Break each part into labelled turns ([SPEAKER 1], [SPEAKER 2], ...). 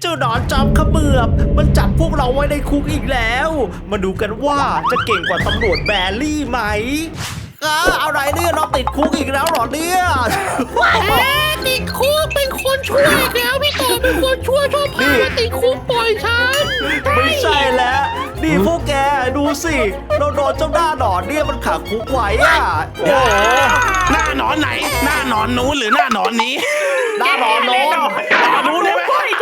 [SPEAKER 1] จ้าหนอนจอมเขมือบมันจับพวกเราไว้ในคุกอีกแล้วมาดูกันว่าจะเก่งกว่าตำรวจแบรี่ไหมอะไรเนี่ยเราติดคุกอีกแล้วเหรอเนี่ย
[SPEAKER 2] ติดคุกเป็นคนช่วยอีกแล้วพี่ต่อเป็นคนช่วยชอบพามาติดคุกปล่อยฉัน
[SPEAKER 1] ไม่ใช่แล้วนี่พวกแกดูสิเราโดนเจ้าหน้าหนอนเนี่ยมันขังคุกไว้โอ้
[SPEAKER 3] หน้าหนอนไหนหน้าหนอนนู้นหรือหน้าหนอนนี้
[SPEAKER 1] หน้าหนอนโน้น
[SPEAKER 3] นู้นเลยไหม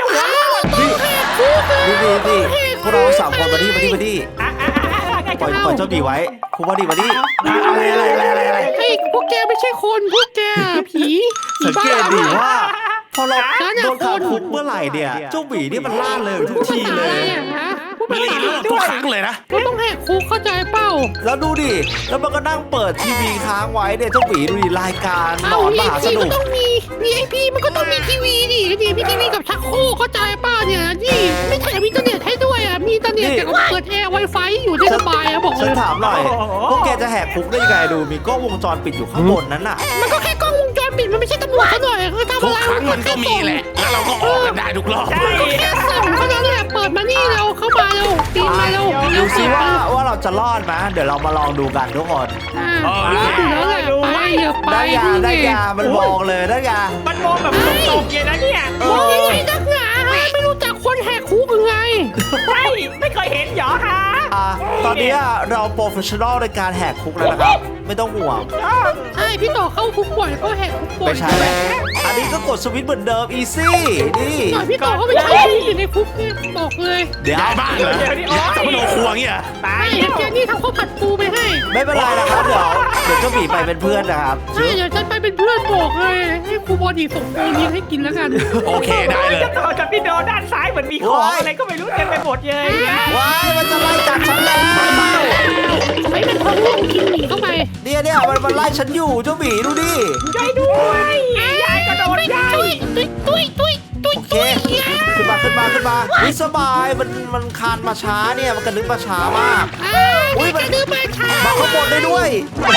[SPEAKER 1] นี่พวกเราสามคนมาดิปล่อยเจ้าบีไว้คุกมาดิ
[SPEAKER 3] อะไร
[SPEAKER 2] ไอ้พวกแกไม่ใช่คนพวกแกผี
[SPEAKER 1] สังเกตดิว่าพอเราโดนขังคุกเมื่อไหร่เนี่ยเจ้าบีนี่มันล่าเลยทุกทีเลย
[SPEAKER 3] มันรีโหลดทุกครั้งเลยนะ
[SPEAKER 2] ก็ต้องแหกคุกเข้าใจเปล่า
[SPEAKER 1] แล้วดูดิแล้วมันก็นั่งเปิดทีวีค้างไว้เนี่ยเจ้าบีดูดิรายการหนอนมหาสนุก
[SPEAKER 2] ก็ต้องมี VIP มันก็ต้องมีทีวีดิมีทีวีกับชักโครกเข้าใจป่ะเนี่ยนี่ไม่แถมอินเทอร์เน็ตให้ด้วยมีอินเทอร์เน็ตแต่ก็เปิดแอร์ Wi-Fi อยู่ได้สบายบอกเลย
[SPEAKER 1] ฉันถามหน่อยพวกแกจะแหกคุกได้ยังไงดูมีกล้องวงจรปิดอยู่ข้างบนนั้นน่ะ
[SPEAKER 2] มันก็แค่กล้องวงจรปิดมันไม่ใช่ตำรวจเขาหน่อยเขาทำอะไร
[SPEAKER 3] ทุกครั้งมันก็มีแหละแล้วเราก็ออกกันได้ทุกรอบ
[SPEAKER 2] แค่ส่งเท่านั้นแหละเปิดมานี่เราเข้ามาเราปีนมาเรา
[SPEAKER 1] ดูซิว่าเราจะรอดไหมเดี๋ยวเรามาลองดูกันทุกคน
[SPEAKER 2] รอดอยู่แล้วแหละไป
[SPEAKER 1] ได้ยามันมองเลยได้ยา
[SPEAKER 4] มันมองแบบตรงๆเลยนะเนี่ย
[SPEAKER 2] มองยังไงนักหนาไม่รู้จักคนแหกคุกยังไง
[SPEAKER 4] ไม่เคยเห็นหรอฮะ
[SPEAKER 1] ตอนนี้เราโปรเฟชชั่นอลในการแหกคุกแล้วนะครับไม่ต้องห่วง
[SPEAKER 2] ใช่พี่ต่อเข้าคุกบ่อยก็แหกคุกบ่อย
[SPEAKER 1] ไม่ใช่แล้วอันนี้ก็กดสวิตช์เหมือนเดิมอีซี่นี่
[SPEAKER 2] พี่ต่อเขาไม่ใช่อยู่ในคุกนี่บอกเลย
[SPEAKER 3] เดี๋ยวบ้านเหรอเดี๋ยวจะมาโดนครัวเงี้ย
[SPEAKER 2] ตายแกนี่ทำข้าวผัดปูไปให้
[SPEAKER 1] ไม่เป็นไรนะครับเดี๋ยวเจ้าหมีไปเป็นเพื่อนนะครับ
[SPEAKER 2] ใช่เดี๋ยวฉันไปเป็นเพื่อนบอกเลยให้ครูบอดี้ส่งโปรนี้ให้กินแล้วกัน
[SPEAKER 3] โอเคได้เลย
[SPEAKER 4] จะต่อจากพี่โดด้านซ้ายเหมือนมีของอะไรก็ไม่รู้เต็มไปหมดเลย
[SPEAKER 1] ว้ายมันจะไล่จับฉันแล้ว
[SPEAKER 2] ไม่เป็นทองลูกกินหมีเข้าไป
[SPEAKER 1] เนี่ยมันไล่ฉันอยู่เจ้าหมีดูดิ
[SPEAKER 4] ใจด้วยยายก็โดนยาย
[SPEAKER 2] ตุ้ย
[SPEAKER 1] โอเคขึ้นมาวิสบายมันคานมาช้าเนี่ยมันกระดึ๊บมาช้ามาก
[SPEAKER 2] อุ้ยมันกระดึ๊บมาช้า
[SPEAKER 1] มาข้างบนได้ด้วย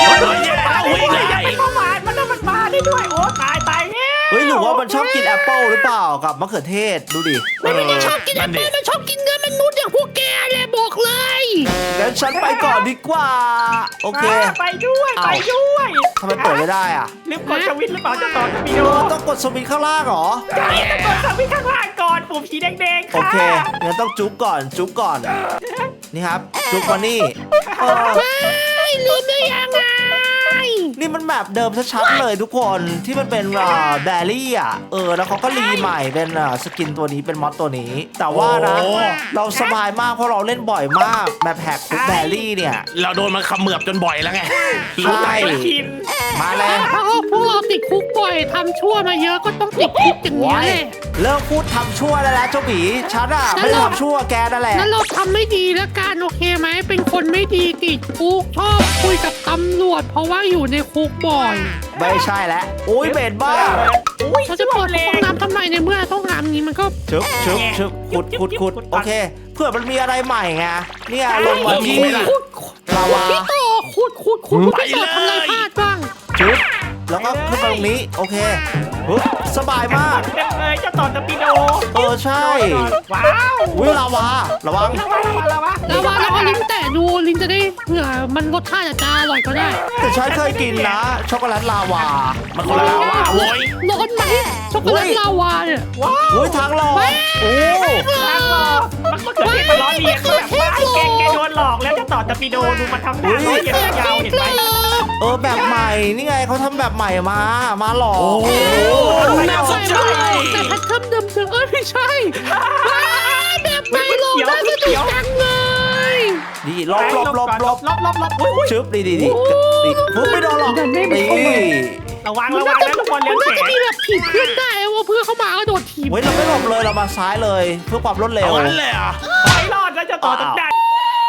[SPEAKER 4] มันมาได้ด้วยโอ้ตาย
[SPEAKER 1] เฮ้ยหรือว่ามันชอบกินแอปเปิลหรือเปล่ากับมะเขือเทศดูดิ
[SPEAKER 2] มันไม่ได้ชอบกินแอปเปิลมันชอบกินเนื้อมนุษย์อย่างพวกแกเลยบอกเลย
[SPEAKER 1] งั้นฉันไปก่อนดีกว่าโอเค
[SPEAKER 4] ไปด้วย
[SPEAKER 1] ทำไมเปิดไม่ได้
[SPEAKER 4] ลืมกดสวิตช์หรือเปล่าจะต่อจะมีโด
[SPEAKER 1] ต้องกดสวิตช์ข้างล่างเหรอ
[SPEAKER 4] ใช่ต้องกดสวิตช์ข้างล่างก่อนปุ่มสีแดงๆ
[SPEAKER 1] โอเคงั้นต้องจุ๊บก่อนนี่ครับจุ๊บมานี่
[SPEAKER 2] ลืมได้ยังไง
[SPEAKER 1] นี่มันแมปเดิมชัดๆเลยทุกคนที่มันเป็นแบรี่แล้วเขาก็รีใหม่เป็นสกินตัวนี้เป็นมอดตัวนี้แต่ว่านะเราสบายมากเพราะเราเล่นบ่อยมากแมปแหกคุกแบรี่เนี่ย
[SPEAKER 3] เราโดนมันขมือบจนบ่อยแล้วไง
[SPEAKER 1] ใช่มาเลย
[SPEAKER 2] พวกเราติดคุกบ่อยทำชั่วมาเยอะก็ต้องติดคุกอย่างนี้เลย
[SPEAKER 1] เลิกพูดทำชั่วแล้วเจ้าหมีฉันไม่ได้ทำชั่วแกนั่นแหละ
[SPEAKER 2] นั่นเราทำไม่ดีแล้วกันโอเคไหมเป็นคนไม่ดีติดคุกชอบคุยกับตำรวจเพราะว่าอยู่ในคุกบ่อย
[SPEAKER 1] ไม่ใช่แล้วอุ้ยเบ็ดบ้า
[SPEAKER 2] เราจะเปิดห้องน้ำทำไมในเมื่อห้องน้ำนี้มันก็
[SPEAKER 1] ชึบขุดโอเคเพื่อมันมีอะไรใหม่ไงเนี่ยลงมาที่ลาวา
[SPEAKER 2] พี่ต่อขุดพี่ต่อทำอะไรพลาดบ้าง
[SPEAKER 1] ชึบแล้วก็ขึ้นมาตรงนี้โอเคสบายมาก
[SPEAKER 4] เลยจะต่อตะปีโด
[SPEAKER 1] ใช่
[SPEAKER 4] ว้าว
[SPEAKER 1] วิลาวาระวัง
[SPEAKER 2] แล้วก็ลิ้นแตะดูลิ้นจะได้เผื่อมันรสชาติจะอร่อยก็ได้
[SPEAKER 1] แต่ฉันเคยกินนะช็อกโกแลตลาวา
[SPEAKER 3] มันคนละลาวาโว้ย
[SPEAKER 2] ร้อนไหมช็อกโกแลตลาวาเนี่ย
[SPEAKER 1] ว้าวทางหลอกโอ้
[SPEAKER 4] ทางหลอกมันก็เกิดเหตุมันร้อนเรียนแบบว่าแกโดนหลอกแล้วจะต่อตะปีโดดูมันทำหน้าร้อนเย็นยาวเห็นไหม
[SPEAKER 1] แบบใหม่นี่ไงเขาทำแบบใหม่มาหลอก
[SPEAKER 3] น่าสนใจ
[SPEAKER 2] แต่แพทเทิร์นเดิมไม่ใช่แบบใหม่หลอกได้สนุกจังเลย
[SPEAKER 1] ดีลบชึบดีฟุ๊บไม่โดนหรอกดี
[SPEAKER 4] ระวังนะทุกคนเลี้ยงเก๋
[SPEAKER 2] มันจะมีแบบถีบเพื่อนได้ว่าเพื่อนเข้ามาก็โดดถีบ
[SPEAKER 1] เราไม่หลบเลยเรามาซ้ายเลยเพื่อความรวดเร็ว
[SPEAKER 3] นั่นเลย
[SPEAKER 4] ไม่รอดแล้วจะต่อตั้งแต่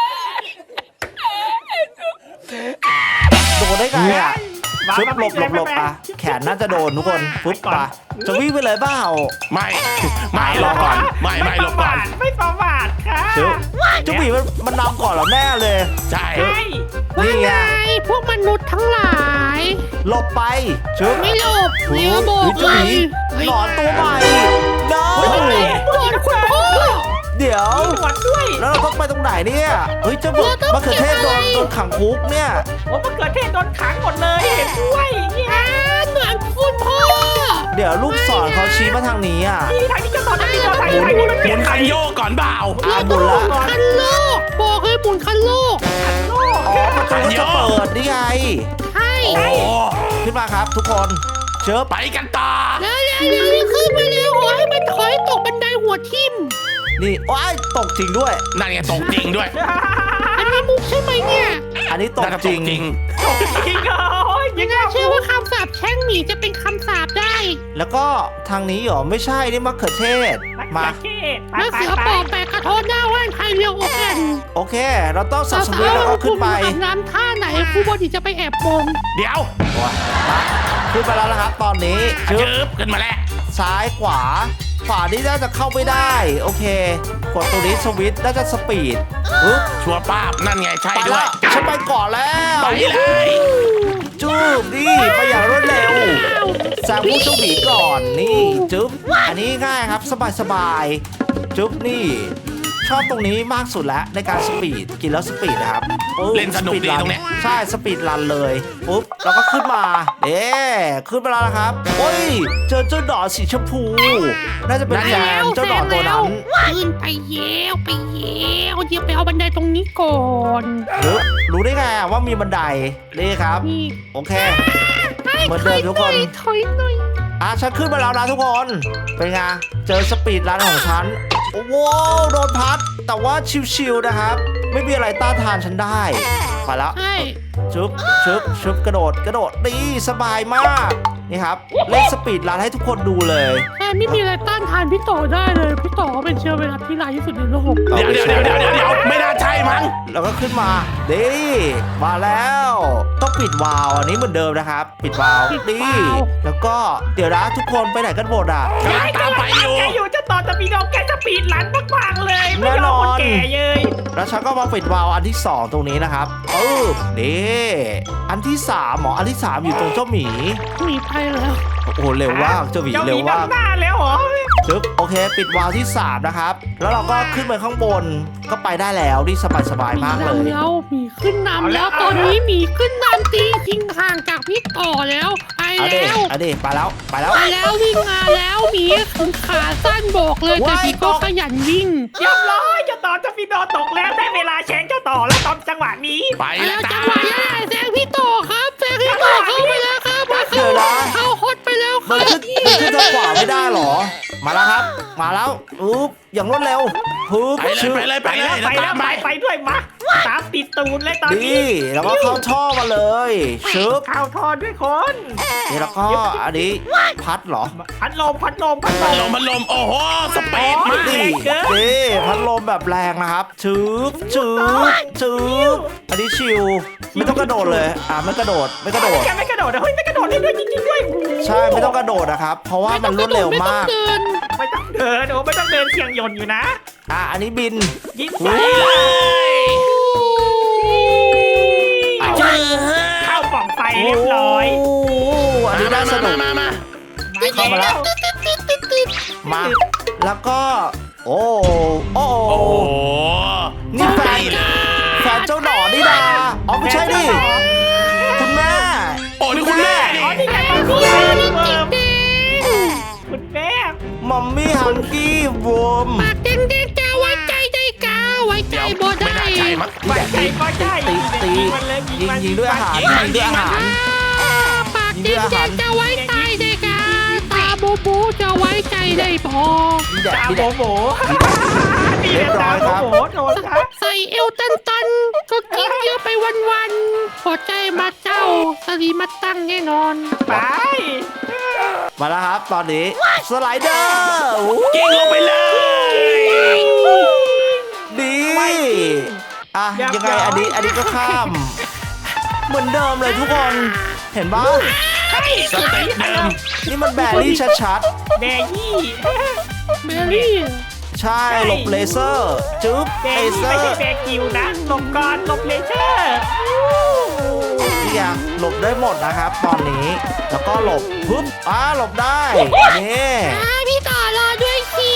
[SPEAKER 1] โดนได้ไงชุบหลบแขนน่าจะโดนทุกคนปุ๊บจะวิ่งไปเลยเปล่า
[SPEAKER 3] ไม่รอก่อนไม่หลบก่อน
[SPEAKER 4] ไม่ประมาทค่ะ
[SPEAKER 1] จุ๊บีมันนำก่อนเราแน่เลย
[SPEAKER 3] ใช่
[SPEAKER 1] นี่ไง
[SPEAKER 2] พวกมนุษย์ทั้งหลาย
[SPEAKER 1] หลบไปชุบ
[SPEAKER 2] ไม่หลบเลี้ยวโบกเลย
[SPEAKER 1] หนอนตัวใหม่
[SPEAKER 2] หนอนคุณพ่อ
[SPEAKER 1] ดี๋ยว
[SPEAKER 4] มีหนวดด้วย
[SPEAKER 1] แล้วเราต้องไปตรงไหนเนี่ยเฮ้ยเจ้ามะเขือเทศโดนขังคุกเนี่ย
[SPEAKER 4] โอ้มะเขือเทศโดนขังหมดเลยเห็นด้วยเนี่ย
[SPEAKER 2] เหมือนคุณพ่อ
[SPEAKER 1] เดี๋ยวลูกศรเขาชี้มาทางนี้อ่ะ
[SPEAKER 4] ที่ทางนี้จะต่อทางนี้ต่อทางนี้ทางนี้มัน
[SPEAKER 3] ห
[SPEAKER 4] เปลี่
[SPEAKER 3] มุ
[SPEAKER 4] ยน
[SPEAKER 3] น
[SPEAKER 4] ใคร
[SPEAKER 3] คันโยกก่อนเปล่า
[SPEAKER 1] อ่าหมุนละ
[SPEAKER 2] คันโลกบอกเลยหมุนคันโลก
[SPEAKER 4] โลก
[SPEAKER 1] อ๋อประตูก็จะเปิดนี่ไง
[SPEAKER 2] ใช่
[SPEAKER 3] โอ้
[SPEAKER 1] ขึ้นมาครับทุกคนเชิญ
[SPEAKER 3] ไปกันต่อ
[SPEAKER 2] แล้วขึ้นมาแล้วขอให้มันถอยตกบันไดหัวทิ่ม
[SPEAKER 1] นี่ว้ายตกจริงด้วย
[SPEAKER 3] นั่นไงตกจริงด้วย
[SPEAKER 2] อันนี้มุกใช่ไหมเนี่ย
[SPEAKER 1] อันนี้ตก
[SPEAKER 3] น่าจะ
[SPEAKER 1] จ
[SPEAKER 3] ต
[SPEAKER 1] ริ
[SPEAKER 3] ก
[SPEAKER 1] ง
[SPEAKER 3] จริง
[SPEAKER 4] จริงเหรอโอ้ยยังไง
[SPEAKER 2] เชื่อว่าคำสาปแช่งหมีจะเป็นคำสาปได้
[SPEAKER 1] แล้วก็ทางนี้เหรอไม่ใช่นี่มะเขือเทศ
[SPEAKER 4] มา
[SPEAKER 1] มา
[SPEAKER 4] เทศไป
[SPEAKER 2] แล้ว
[SPEAKER 4] ไป
[SPEAKER 2] เสือ
[SPEAKER 4] ไป
[SPEAKER 2] ปอกแปะกระโทษหน้าว่านไทยเรียวโอแกน
[SPEAKER 1] โอเค เราต้องสับสวิตช์แล้วก็ขึ้นไป
[SPEAKER 2] อาบน้ำท่าไหนครูบอดีจะไปแอบมอง
[SPEAKER 3] เดี๋ยว
[SPEAKER 1] ขึ้นไปแล้วนะครับตอนนี้ชึบ
[SPEAKER 3] จืบขึ้นมาแล้ว
[SPEAKER 1] ซ้ายขวาขวานี่น่าจะเข้าไม่ได้โอเคกดตัวนี้สวิตช์น่าจะสปีดปึ๊บ
[SPEAKER 3] ชัวร์ป้าบนั่นไงใช่
[SPEAKER 1] ไป
[SPEAKER 3] ด้ว
[SPEAKER 1] แล้
[SPEAKER 3] ยว
[SPEAKER 1] ฉันไปก่อนแล้ว
[SPEAKER 3] ไปเลย
[SPEAKER 1] จูบนี่ไปอย่างรวดเร็วแซงผู้เจ้าหมีก่อนนี่จึ๊บอันนี้ง่ายครับสบายๆจึ๊บนี่ชอบตรงนี้มากสุดแล้วในการสปีดกินแล้วสปีดนะครับปึ๊บ
[SPEAKER 3] เล่นสนุกดี
[SPEAKER 1] ปีรั
[SPEAKER 3] ตรงเนี้ย
[SPEAKER 1] ใช่สปีดรันเลยปุ๊บแล้วก็ขึ้นมาขึ้นมาแล้วนะครับโอ้ยเจอเจ้าหนอนสีชมพูน่าจะเป็นแฟนเจ้าหนอนตัวนั้น
[SPEAKER 2] ขึ้นไปเยวไปเยวเดี๋ยวไปเอาบันไดตรงนี้ก่อน
[SPEAKER 1] รู้ได้ไงว่ามีบันไดนี่ครับ
[SPEAKER 2] นี่
[SPEAKER 1] โอเค เหมือนเดิมทุกคน
[SPEAKER 2] ถอยหน่อย
[SPEAKER 1] ฉันขึ้นมาแล้วนะทุกคน เป็นไง เจอสปีดรันของฉัน โอ้โหโดนพัด แต่ว่าชิวๆนะครับ ไม่มีอะไรต้านทานฉันได้ ไปแล้ว
[SPEAKER 2] ใช่
[SPEAKER 1] ชุบกระโดดดีสบายมาก นี่ครับ เล่นสปีดรันให้ทุกคนดูเลย
[SPEAKER 2] ใช่ไม่มีอะไรต้านทานพี่ต่อได้เลยพี่ต่อเป็นเชื้อไวรัสที่ร้ายที่สุดในโลก
[SPEAKER 3] เดี๋ยวไม่น่าใช่มั้ง
[SPEAKER 1] แล้วก็ขึ้นมาดีมาแล้ว ต้องปิดวาล์วอันนี้เหมือนเดิมนะครับ ปิดวาล์วดีแล้วก็เดี๋ยวนะทุกคนไปไหนกันหมดอ่ะ
[SPEAKER 3] กำลังตามไปอยู่
[SPEAKER 4] แกอยู่จะต่อจะปีโดแกจะปีดหลันมากๆเลยไม่ยอมคนแก่เลย
[SPEAKER 1] แล้วฉันก็มาปิดวาล์วอันที่ 2 ตรงนี้นะครับนี่อันที่3หมออันที่ 3 อยู่ตรงเจ้าหมี
[SPEAKER 2] หนีไปแล้ว
[SPEAKER 1] โอ้โหเร็วมากเจ้าหมีเร็วมาก
[SPEAKER 4] หน้าแล้วเหรอ
[SPEAKER 1] จึ๊บโอเค ปิดวาล์วที่ 3 นะครับ แล้วเราก็ขึ้นไปข้างบนก็ไปได้แล้วนี่สบายๆมากเลย
[SPEAKER 2] แล้วหมีขึ้นนำแล้วตอนนี้หมีขึ้นนำตีทิ้งห่างจากพี่ต่อแล้วไป
[SPEAKER 1] เอาเด็
[SPEAKER 2] แล้ว
[SPEAKER 1] เอาเด็ไปแล้วไปแล้ว
[SPEAKER 2] ไปแล้ววิ่งมาแล้วหมีขาสั้นบอกเลยแต่
[SPEAKER 1] ว้าย
[SPEAKER 2] หมีก็ขยันวิ่ง
[SPEAKER 4] เรียบร้อยจะต่อจะปีโดตกแล้วได้เวลาแฉงเจ้าต่อแล้วตอนจังหวะนี้
[SPEAKER 3] ไป
[SPEAKER 2] ไป
[SPEAKER 3] แล้
[SPEAKER 2] แล้ว ว
[SPEAKER 3] จ้า
[SPEAKER 2] จังหวะนี้แซงพี่ต่อครับแซงพี่ต่อเข้าไปแล้วครับมาเข้าฮอตไปแล้วค
[SPEAKER 1] มั
[SPEAKER 2] รั
[SPEAKER 1] น
[SPEAKER 2] บ
[SPEAKER 1] ขึ้นทางขวาไม่ได้เหรอ มาแล้วครับ มาแล้วอุ๊บอย่างรวดเร็วปึ๊บ
[SPEAKER 3] ไปเลยไปเลย
[SPEAKER 4] ไปแล้วไปแล้วไปด้วยมาตามติดตูนเลยตอนนี้
[SPEAKER 1] ดีแล้วก็เข้าท่อมาเลยชึบ
[SPEAKER 4] เข้าทอด้วยคน
[SPEAKER 1] นี่แล้วก็อันนี้พัดเหรอ
[SPEAKER 4] พัดลม
[SPEAKER 3] พัดลมโอ้โหสปีดมาก
[SPEAKER 1] นี่นี่พัดลมแบบแรงนะครับชึบอันนี้ชิวไม่ต้องกระโดดเลยไม่กระโดด
[SPEAKER 4] แกไม่กระโดดเฮ้ยไม่กระโดดเลยด้วยจริงๆด้วย
[SPEAKER 1] ใช่ไม่ต้องกระโดดนะครับ เพราะว่ามันรวดเร็วมาก
[SPEAKER 2] ไม่ต้องเดิน
[SPEAKER 4] ไม่ต้องเดินเสียงยนต์อยู่นะ
[SPEAKER 1] อันนี้บิน
[SPEAKER 4] ยิ้ม
[SPEAKER 3] ไปเลย
[SPEAKER 4] เข้าปล่องไฟเรียบร้อย
[SPEAKER 1] โอ้อันนี้น่าสนุก
[SPEAKER 3] มา
[SPEAKER 1] เข้ามาแล้ว มา แล้วก็ โอ้
[SPEAKER 3] โอ้โห
[SPEAKER 1] นี่แฟน
[SPEAKER 3] เลย
[SPEAKER 1] แฟนเจ้าหนอนนี่ดาอ๋อไม่ใช่ดิคุณแม่
[SPEAKER 3] โอ้นี่คุณแม่นี่
[SPEAKER 4] อ๋อนี่ไงมัม
[SPEAKER 2] พี่
[SPEAKER 4] มี่
[SPEAKER 2] นี่
[SPEAKER 4] เวิ
[SPEAKER 2] จิก
[SPEAKER 4] ร์ม
[SPEAKER 2] แดง
[SPEAKER 4] คุณแม่
[SPEAKER 1] มัมมี่ฮังกี้วอม
[SPEAKER 2] ปากแดงๆจะไว้ใจได้กาไว้ใจบ่
[SPEAKER 3] ไม่
[SPEAKER 2] ได้
[SPEAKER 3] น่าใช่มั้ง
[SPEAKER 4] ไปใจก็ใจ
[SPEAKER 1] ตี
[SPEAKER 4] มันเลย
[SPEAKER 1] ยิงด้วยอาหาร
[SPEAKER 3] ยิงมัน
[SPEAKER 1] ยิงด้วยอาหาร
[SPEAKER 2] ปากแดงๆจะไว้ใจได้กาตาโบโบจะไว้ใจได้บ่
[SPEAKER 1] นี่แดด
[SPEAKER 4] ตา
[SPEAKER 1] นี่
[SPEAKER 4] โบ
[SPEAKER 1] แดด
[SPEAKER 4] โบนี่เลยตาโบโบโดนครับ
[SPEAKER 2] ใส่เอวตันๆก็กินเยอะไปวันๆหัวใจมาเจ้าสลีมาตั้งแน่นอน
[SPEAKER 4] ไป
[SPEAKER 1] มาแล้วครับตอนนี้สไลเดอร์อู้
[SPEAKER 3] กิ้งลงไปเลย
[SPEAKER 1] ดียังไงอันนี้ก็ข้าม เหมือนเดิมเลยทุกคน เห็นปะ
[SPEAKER 3] สเต็ปเดิม
[SPEAKER 1] นี่มันแบรี่ชัด
[SPEAKER 4] แบยี่
[SPEAKER 2] เบลลี่
[SPEAKER 1] ๆ ใช่หลบเลเซอร์จึ๊บ
[SPEAKER 4] แบ
[SPEAKER 1] เล
[SPEAKER 4] ยี่
[SPEAKER 1] เซอ
[SPEAKER 4] ไม่ใช่
[SPEAKER 1] ร์
[SPEAKER 4] แบกิวนะหลบก่อนหลบเลเซอร์
[SPEAKER 1] นี่ยังหลบได้หมดนะครับตอนนี้ แล้วก็หลบปึ๊บหลบได้นี่
[SPEAKER 2] พี่ต่อรอด้วยสิ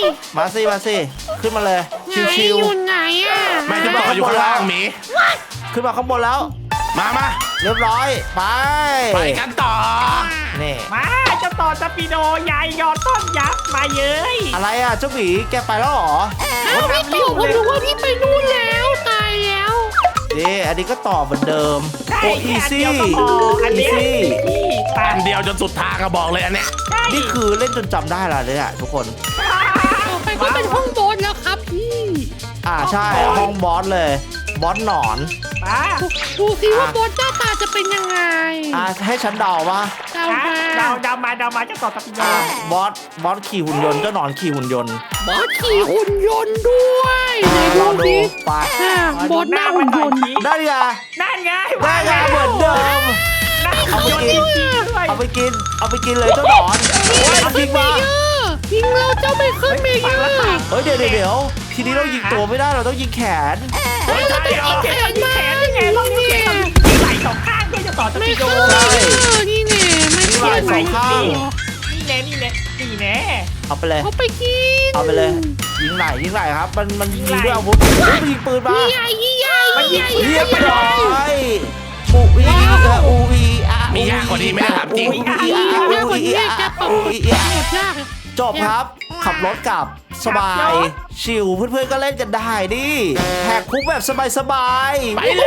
[SPEAKER 1] มาสิขึ้นมาเลย
[SPEAKER 2] ไหน
[SPEAKER 1] ชิว
[SPEAKER 2] อยู่ไหนอ่ะ
[SPEAKER 3] ไม่จะบอกอยู่ข้างล่างหมี
[SPEAKER 1] ๆขึ้นมาข้างบนแล้ว
[SPEAKER 3] มา
[SPEAKER 1] เรียบร้อยไป
[SPEAKER 3] ไปกันต่อ
[SPEAKER 1] นี่
[SPEAKER 4] มาเจ้าต่อตะปีโดใหญ่ยอดต้นยักษ์มาเย้ย
[SPEAKER 1] อะไรอ่ะเจ้าหมีแกไปแล้วเหรอ
[SPEAKER 2] อ้าวพี่ตู่ผมรู้ว่าพี่ไปนู่นแล้วตายแล้ว
[SPEAKER 1] นี่อันนี้ก็ต่อเหมือนเดิม
[SPEAKER 4] ใช่
[SPEAKER 1] โอ้อี
[SPEAKER 4] แค่อัน
[SPEAKER 1] ซี่
[SPEAKER 4] เดียวก็พออัน
[SPEAKER 1] อี
[SPEAKER 4] เนี้ย
[SPEAKER 1] ซี่
[SPEAKER 4] นี่ตา
[SPEAKER 3] อันเดียวจนสุดทางก็บอกเลยอันเนี้ย
[SPEAKER 4] ใช่
[SPEAKER 1] นี่คือเล่นจนจำได้และเลยอ่ะทุกคน
[SPEAKER 2] ต่อไปก็เป็นห้องบนแล้วครับพี่
[SPEAKER 1] ใช่ห้องบอสเลยบอสหนอน
[SPEAKER 4] มา
[SPEAKER 2] ดูสิว่าบอสหน้าตาจะเป็นยังไง
[SPEAKER 1] ให้ฉันเดาว่า
[SPEAKER 2] เดามา
[SPEAKER 4] เดามาเจ้าต่อตะปีโด
[SPEAKER 1] บอสขี่หุ่นยนต์เจ้าหนอนขี่หุ่นยนต์
[SPEAKER 2] บอสขี่หุ่นยนต์ด้วยไหน
[SPEAKER 1] รอ
[SPEAKER 2] ดู
[SPEAKER 1] ดู
[SPEAKER 2] สิ
[SPEAKER 1] ไป
[SPEAKER 2] บอสหน้าหุ่นยนต์
[SPEAKER 1] ได้ไง
[SPEAKER 4] นั่นไง
[SPEAKER 1] ได้ไงเหมือนเดิม
[SPEAKER 4] นั่น
[SPEAKER 1] เอาไป
[SPEAKER 4] ยน
[SPEAKER 1] กิน
[SPEAKER 4] จริงๆด้วย
[SPEAKER 1] เอาไปกินเลยเจ้าหนอนเอาจริงปะ
[SPEAKER 2] ยิงเราเจ้าเบเคิลเมเยอร์
[SPEAKER 1] เฮ้ยเดี๋ยวทีนี้เรายิงตัวไม่ได้เราต้องยิงแขน
[SPEAKER 4] เฮ้ยใช่เหรอแขนนี่ไงต้องนิ้วแขนที่ไหล่สองข้างด้วยเจ้าต่อตะ
[SPEAKER 2] เม
[SPEAKER 4] ปีโด
[SPEAKER 2] เคิลเมเยอร์นี่แน่ไม่
[SPEAKER 1] นี่
[SPEAKER 2] เชื่
[SPEAKER 1] ลา
[SPEAKER 2] อย
[SPEAKER 1] สองข้าง
[SPEAKER 4] นี่แน่
[SPEAKER 1] เอาไปเลย
[SPEAKER 2] เขาไปกิน
[SPEAKER 1] เอาไปเลย ยิงไหนครับ มันยิงด้วยอาวุธมันยิงปืนมา
[SPEAKER 2] ยี่ใหญ่ยี่ใหญ่ยี่ใหญ่
[SPEAKER 1] เรียบร้อยอูอีอูอีอา
[SPEAKER 3] มียากกว่านี้ไหมถามจริง
[SPEAKER 1] อูอีอาอูอีอาอูอีอา
[SPEAKER 2] หมดยากเลย
[SPEAKER 1] จบครับ ขับรถกลับสบาย ชิลเพื่อนๆก็เล่นกันได้ดิแหกคุกแบบสบายๆ
[SPEAKER 3] ไปเลย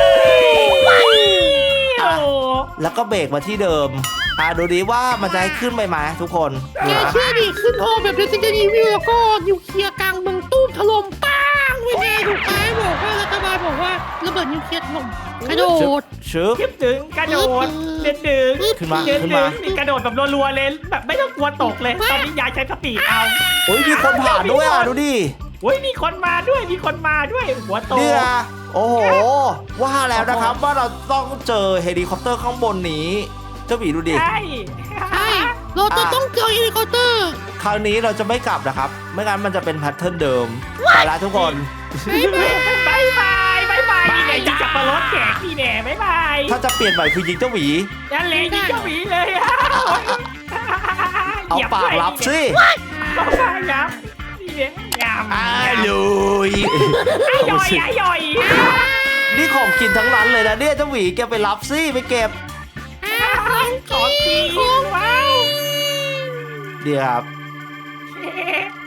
[SPEAKER 4] โอ้
[SPEAKER 1] แล้วก็เบรกมาที่เดิมดูดีว่ามันจะให้ขึ้นไปไหมทุกคน
[SPEAKER 2] แกเชื่อดิขึ้นโฮแบบ Resident Evil แล้วก็นิวเคลียร์กลางเมืองตู้มถล่มปังเว้ยแน่ถูกไหมบอกว่ารัฐบาลบอกว่าระเบิดนิวเคลียร์ถล่มกระโดด
[SPEAKER 1] ชึบ
[SPEAKER 4] คิดถึงกระโดดเดินดึง
[SPEAKER 1] ขึ้นมา
[SPEAKER 4] เดิน
[SPEAKER 1] ขึ้น
[SPEAKER 4] ดึ
[SPEAKER 1] มา
[SPEAKER 4] งนี่กระโดดแบบรัวๆเลยแบบไม่ต้องกลัวตกเลย ตอนนี้ยายใช้สปีดเอา
[SPEAKER 1] โอ้ยมีคนผ่านด้วยดูดิ
[SPEAKER 4] โอ้ยมีคนมาด้วยหัวโต
[SPEAKER 1] เนี่ยโอ้โห ว่าแล้วนะครับว่าเราต้องเจอเฮลิคอปเตอร์ข้างบนนี้เจ้าหมีดูดิ
[SPEAKER 4] ใช่
[SPEAKER 2] ใช่เราจะต้องเจอเฮลิคอปเตอร์
[SPEAKER 1] คราวนี้เราจะไม่กลับนะครับ ไม่งั้นมันจะเป็นแพทเทิร์นเดิมไปละทุกคน
[SPEAKER 4] บายบายนี่ไงยิงจับปลารถแขกนี่แน่บายบาย
[SPEAKER 1] ถ้าจะเปลี่ยนใหม่คือยิงเจ้าหมี
[SPEAKER 4] นั่นเลยยิงเจ้าหมีเลย
[SPEAKER 1] เอาปากรับสิ
[SPEAKER 4] เอาปากรับนี่เนี่ยยำ
[SPEAKER 3] อาลุย
[SPEAKER 4] ย่อย
[SPEAKER 1] นี่ของกินทั้งนั้นเลยนะเนี่ยเจ้าหมีแกไปรับสิไปเก็บ
[SPEAKER 4] ของจริงว้าว
[SPEAKER 1] เดี๋ยวครับ
[SPEAKER 4] เ